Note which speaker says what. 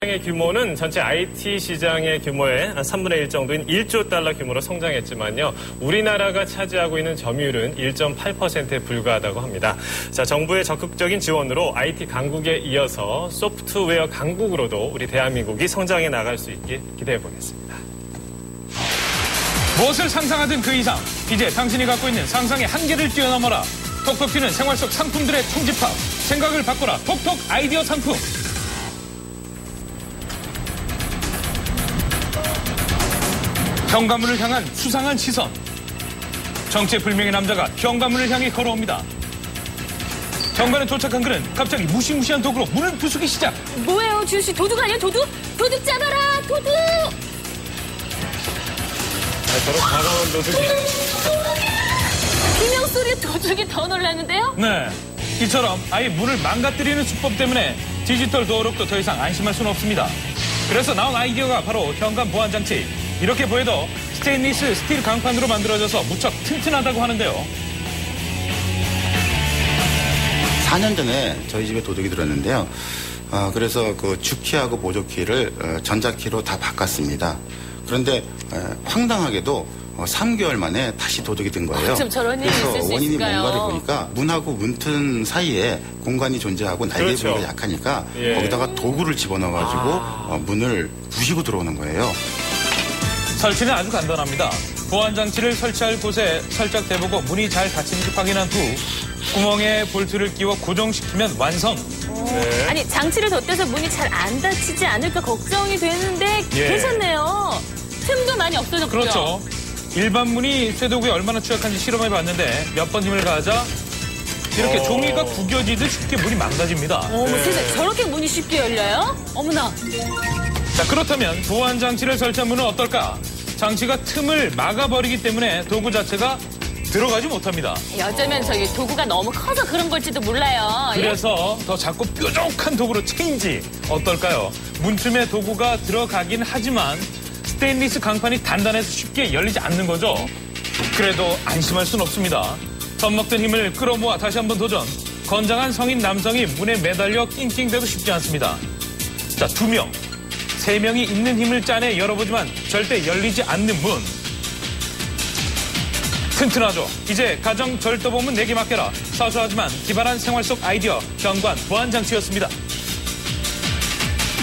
Speaker 1: 시장의 규모는 전체 IT 시장의 규모의 3분의 1 정도인 1조 달러 규모로 성장했지만요. 우리나라가 차지하고 있는 점유율은 1.8%에 불과하다고 합니다. 자, 정부의 적극적인 지원으로 IT 강국에 이어서 소프트웨어 강국으로도 우리 대한민국이 성장해 나갈 수 있길 기대해 보겠습니다.
Speaker 2: 무엇을 상상하든 그 이상, 이제 당신이 갖고 있는 상상의 한계를 뛰어넘어라. 톡톡 튀는 생활 속 상품들의 총집합, 생각을 바꿔라. 톡톡 아이디어 상품. 현관문을 향한 수상한 시선. 정체불명의 남자가 현관문을 향해 걸어옵니다. 현관에 도착한 그는 갑자기 무시무시한 도구로 문을 부수기 시작.
Speaker 3: 뭐예요, 지우 씨? 도둑 아니야, 도둑? 도둑 잡아라, 도둑!
Speaker 1: 저런 다가온 도둑이.
Speaker 3: 비명 소리에 도둑이 더 놀랐는데요?
Speaker 2: 네. 이처럼 아예 문을 망가뜨리는 수법 때문에 디지털 도어록도 더 이상 안심할 수는 없습니다. 그래서 나온 아이디어가 바로 현관 보안 장치. 이렇게 보여도 스테인리스 스틸 강판으로 만들어져서 무척 튼튼하다고 하는데요.
Speaker 4: 4년 전에 저희 집에 도둑이 들었는데요. 그래서 그 주키하고 보조키를 전자키로 다 바꿨습니다. 그런데 황당하게도 3개월 만에 다시 도둑이 든 거예요.
Speaker 3: 좀 저런 일이 있을 수
Speaker 4: 원인이
Speaker 3: 있을까요?
Speaker 4: 뭔가를 보니까 문하고 문틈 사이에 공간이 존재하고 날개
Speaker 1: 그렇죠.
Speaker 4: 부위가 약하니까
Speaker 1: 예.
Speaker 4: 거기다가 도구를 집어넣어가지고 문을 부시고 들어오는 거예요.
Speaker 2: 설치는 아주 간단합니다. 보안 장치를 설치할 곳에 살짝 대보고 문이 잘 닫히는지 확인한 후 구멍에 볼트를 끼워 고정시키면 완성.
Speaker 1: 네.
Speaker 3: 아니, 장치를 덧대서 문이 잘 안 닫히지 않을까 걱정이 되는데
Speaker 1: 예.
Speaker 3: 괜찮네요. 틈도 많이 없어졌죠?
Speaker 2: 그렇죠. 일반 문이 쇠도구에 얼마나 취약한지 실험해봤는데 몇 번 힘을 가하자 이렇게 종이가 구겨지듯 쉽게 문이 망가집니다.
Speaker 3: 어머, 세상에 저렇게 문이 쉽게 열려요? 어머나.
Speaker 2: 자, 그렇다면 보안 장치를 설치한 문은 어떨까? 장치가 틈을 막아버리기 때문에 도구 자체가 들어가지 못합니다.
Speaker 3: 어쩌면 저기 도구가 너무 커서 그런 걸지도 몰라요.
Speaker 2: 그래서 더 작고 뾰족한 도구로 체인지 어떨까요? 문틈에 도구가 들어가긴 하지만 스테인리스 강판이 단단해서 쉽게 열리지 않는 거죠. 그래도 안심할 순 없습니다. 젖먹던 힘을 끌어모아 다시 한번 도전. 건장한 성인 남성이 문에 매달려 낑낑대도 쉽지 않습니다. 자, 2명, 3명이 있는 힘을 짜내 열어보지만 절대 열리지 않는 문. 튼튼하죠. 이제 가정 절도범은 내게 맡겨라. 사소하지만 기발한 생활 속 아이디어 현관 보안 장치였습니다.